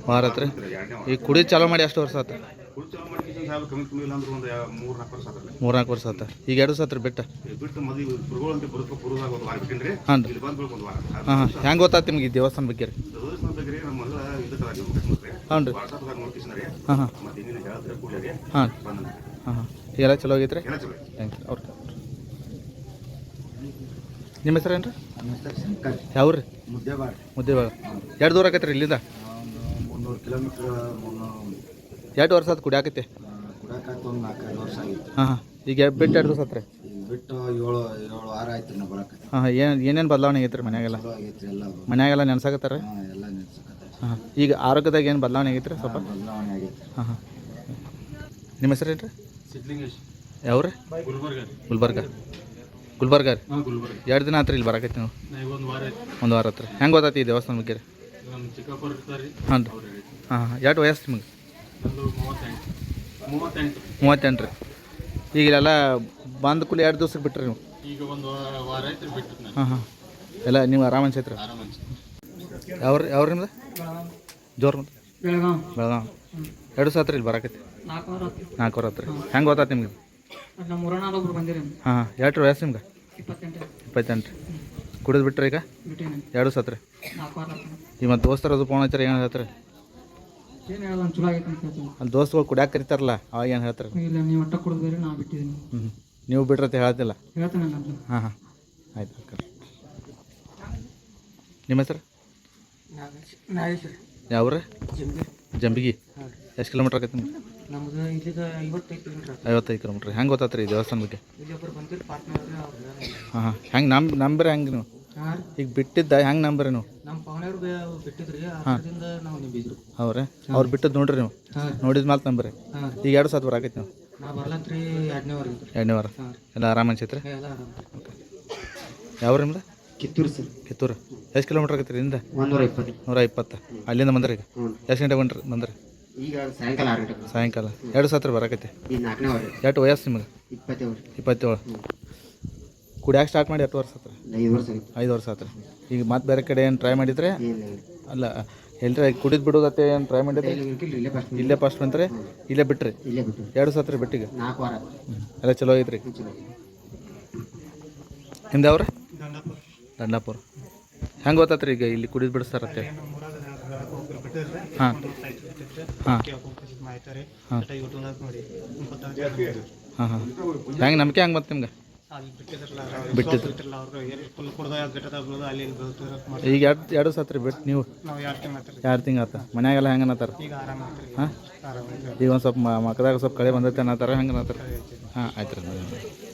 ವಾರ ಆತ್ರಿ ಈಗ ಕುಡಿ ಚಾಲೂ ಮಾಡಿ ಎಷ್ಟು ವರ್ಷ ಆತ? ಮೂರು ನಾಲ್ಕು ವರ್ಷ ಆತ. ಈಗ ಎರಡು ವರ್ಷ ಆತ್ರಿ ಬಿಟ್ಟ? ಹಾಂ ರೀ. ಹಾಂ ಹಾಂ. ಹೆಂಗೆ ಗೊತ್ತಾಯ್ತು ನಿಮ್ಗೆ ಈ ದೇವಸ್ಥಾನ ಬಗ್ಗೆ ರೀ? ಹಾಂ ರೀ. ಹಾಂ ಹಾಂ ಹಾಂ ಹಾಂ ಹಾಂ. ಈಗೆಲ್ಲ ಚಲೋ ಆಗೈತೆ ರೀ? ಥ್ಯಾಂಕ್ಸ್ ರೀ. ಅವ್ರ ನಿಮ್ಮ ಹೆಸರು ಏನು ರೀ? ಯಾವ ರೀ? ಮುದ್ದೇಬಾಳ. ಎರಡು ದೂರ ಆಕೈತೆ ರೀ ಇಲ್ಲಿಂದ? 300 ಕಿಲೋಮೀಟ್ರ್. ಎರಡು ವರ್ಷ ಆತು ಕುಡಿಯಾಕೈತೆ? ಕುಡಿಯಾಕೈತೆ ಒಂದು 4-5 ವರ್ಷ ಆಗಿತ್ತು. ಹಾಂ ಹಾಂ. ಈಗ ಬಿಟ್ಟು ಎರಡು ದಿವಸ ಆತ್ರಿ? ಬಿಟ್ಟು 7 ವಾರ ಆಯ್ತು ನಾವು ಬರೋಕೆ. ಹಾಂ ಹಾಂ. ಏನೇನು ಬದಲಾವಣೆ ಆಗೈತೆ ರೀ ಮನ್ಯಾಗೆಲ್ಲ? ಆಗೈತೆ ಎಲ್ಲ. ಮನ್ಯಾಗೆಲ್ಲ ನೆನ್ಸಾಕತ್ತಾರ? ಹಾಂ ಎಲ್ಲ ನೆನ್ಸಕತ್ತೆ. ಹಾಂ. ಈಗ ಆರೋಗ್ಯದಾಗ ಏನು ಬದಲಾವಣೆ ಆಗೈತೆ ರೀ ಸ್ವಲ್ಪ? ಬದಲಾವಣೆ ಆಗೈತೆ. ಹಾಂ ಹಾಂ. ನಿಮ್ಮ ಹೆಸರು ಏನು ರೀ? ಸಿದ್ಲಿಂಗೇಶ್. ಯಾವ ರೀ? ಗುಲ್ಬರ್ಗ. ಗುಲ್ಬರ್ಗ ರೀ? ಹಾಂ ಗುಲ್ಬರ್ಗ. ಎರಡು ದಿನ ಆತ್ರಿ ಇಲ್ಲಿ ಬರಾಕೈತಿ ನೀವು? ಒಂದು ವಾರ ಆಯ್ತು. ಒಂದು ವಾರ ಆತ್ರಿ. ಹೆಂಗೆ ಗೊತ್ತಾಯ್ತು ಈ ದೇವಸ್ಥಾನ ಬಗ್ಗೆ ರೀ? ನಮ್ಮ ಚಿಕ್ಕಪ್ಪರು ಇರ್ತಾರೆ. ಹಾಂ ರೀ. ಹಾಂ ಹಾಂ. ಎಷ್ಟು ವಯಸ್ಸು ನಿಮಗೆ? ನಂದು 38. 38 ರೀ. ಈಗ ಇಲ್ಲೆಲ್ಲ ಬಂದ ಕೂಲಿ ಎರಡು ದಿವ್ಸಕ್ಕೆ ಬಿಟ್ರಿ ನೀವು? ಈಗ ಒಂದು ವಾರ ಆಯ್ತು ಬಿಟ್ಟು ನಾನು. ಹಾಂ ಹಾಂ. ಎಲ್ಲ ನೀವು ಆರಾಮ ಅನ್ಸೈತ್ರಿ? ಆರಾಮ ಅನ್ಸುತ್ತೆ. ಯಾವ ನಿಮ್ದು? ಜೋರು ಮತ್ತೆ? ಬೆಳಗಾವ್. ಎರಡು ದಿವಸ ಆತ್ರಿ ಇಲ್ಲಿ ಬರಾಕೈತಿ? 4 ವಾರ ಆತ್ರಿ. ಹೆಂಗೆ ಗೊತ್ತಾಯ್ತು ನಿಮ್ಗೆ? ಹಾಂ ಹಾಂ. ಎಷ್ಟು ವಯಸ್ಸು ನಿಮ್ಗೆ? 28 ರೀ. ಕುಡಿದು ಬಿಟ್ರಿ ಈಗ? ಎರಡು ದಿವಸ ಆತ್ರಿ. ಈಗ ಮತ್ತೆ ದೋಸ್ತರು ಅದು ಫೋನ್ ಹಚ್ಚಾರ ಏನು ಹೇಳ್ತಾರೆ? ಅಲ್ಲಿ ದೋಸ್ತಗಳು ಕುಡಿಯಾಕ ಕರಿತಾರಲ್ಲ ಅವಾಗ ಏನು ಹೇಳ್ತಾರೆ? ನೀವು ಬಿಟ್ರತ್ತೆ ಹೇಳ್ತಿಲ್ಲ? ಹಾಂ ಹಾಂ. ಆಯ್ತು. ನಿಮ್ಮ ಹೆಸರು? ಯಾವ ರೀ? ಜಂಬಿಗಿ. ಎಷ್ಟು ಕಿಲೋಮೀಟ್ರ್ ಆಕೈತಿ ನಿಮ್ಗೆ? ನಮ್ದು ಇಲ್ಲಿಗ 55 ಕಿಲೋಮೀಟ್ರ್. ಹೆಂಗೆ ಗೊತ್ತಾತ್ರಿ ಈ ದೇವಸ್ಥಾನ ಬಗ್ಗೆ? ಹಾಂ ಹಾಂ. ಹೆಂಗೆ ನಂಬರಿ ಹೆಂಗೆ ನೀವು? ಈಗ ಬಿಟ್ಟಿದ್ದ ಹೆಂಗೆ ನಂಬರಿ ನೀವು? ನಮ್ಮ ಪವನವ್ರು ಬಿಟ್ಟಿದ್ರಿ, ಅದರಿಂದ ನಾವು ನಿಂಬಿದ್ರು. ಅವ್ರೆ ಅವ್ರು ಬಿಟ್ಟದ್ದು ನೋಡ್ರಿ ನೀವು? ನೋಡಿದ ಮೇಲೆ ನಂಬರಿ. ಈಗ ಎರಡು ಸಾತ್ ಬರಾಕೈತಿ ನೀವು? ನಾ ಬರ್ಲತ್ರಿ 2ನೇ ವಾರ. 2ನೇ ವಾರ. ಎಲ್ಲ ಆರಾಮ ಅನ್ಸೈತ್ರಿ? ಎಲ್ಲ ಆರಾಮ. ಯಾವ ನಿಮ್ದು? ಕಿತ್ತೂರು ಸರ್. ಕಿತ್ತೂರು. ಎಷ್ಟು ಕಿಲೋಮೀಟ್ರ್ ಆಗೈತೆ ರೀ ಇಲ್ಲಿಂದ? 120. 120. ಅಲ್ಲಿಂದ ಬಂದ್ರಿ ಈಗ? ಎಷ್ಟು ಗಂಟೆ ಬಂದ್ರಿ? ಈಗ ಸಾಯಂಕಾಲ 6 ಗಂಟೆ. ಸಾಯಂಕಾಲ. ಎರಡು ಸಾತ್ರ ಬರಾಕೈತಿ? ಈಗ 4ನೇ ವಾರ. ಎಷ್ಟು ವಯಸ್ಸು ನಿಮಗೆ? 27. ಕುಡಿಯಾಕೆ ಸ್ಟಾರ್ಟ್ ಮಾಡಿ ಎಷ್ಟು ವರ್ಷ ಆತ್ರಿ? 5 ವರ್ಷ ಆಯ್ತು. 5 ವರ್ಷ ಆತ್ರಿ. ಈಗ ಮತ್ತೆ ಬೇರೆ ಕಡೆ ಏನು ಟ್ರೈ ಮಾಡಿದ್ರೆ? ಅಲ್ಲ ಎಲ್ರಿ ಕುಡಿದು ಬಿಡೋದತ್ತೆ ಏನು ಟ್ರೈ ಮಾಡಿದ್ರೆ? ಇಲ್ಲೇ ಫಸ್ಟ್ ಬಂತ್ರಿ? ಇಲ್ಲೇ ಬಿಟ್ರಿ? ಎರಡು ಸಾತ್ರಿ ಬಿಟ್ಟಿಗೆ? 4 ವಾರ. ಎಲ್ಲ ಚಲೋ ಐತ್ರಿ? ನಿಮ್ದು ಯಾವ್ರಿ? ದಂಡಾಪುರ. ಹೆಂಗೆ ಗೊತ್ತಾತ್ರಿ ಈಗ ಇಲ್ಲಿ ಕುಡಿದು ಬಿಡಿಸ್ತಾರತ್ತೆ? ಹಾಂ ಹಾಂ ಹಾಂ ಹಾಂ. ಹೆಂಗೆ ನಂಬಿಕೆ ಹೆಂಗೆ ಬಂತು ನಿಮ್ಗೆ? ಬಿಟ್ಟಿದ್ರು ಈಗ ಎರಡು ಸತ್ರಿ ಬಿಟ್ಟು ನೀವು? 2 ತಿಂಗಳು ಆತ. ಮನ್ಯಾಗೆಲ್ಲ ಹೆಂಗೆ ಅನ್ನತ್ತಾರ? ಹಾಂ. ಈಗ ಒಂದು ಸ್ವಲ್ಪ ಮಕ್ಕದಾಗ ಸ್ವಲ್ಪ ಕಳೆ ಬಂದೈತೆ ಅನ್ನತ್ತಾರ ಹೆಂಗೆ ಅನ್ನತ್ತಾರ? ಹಾಂ ಆಯ್ತು ರೀ.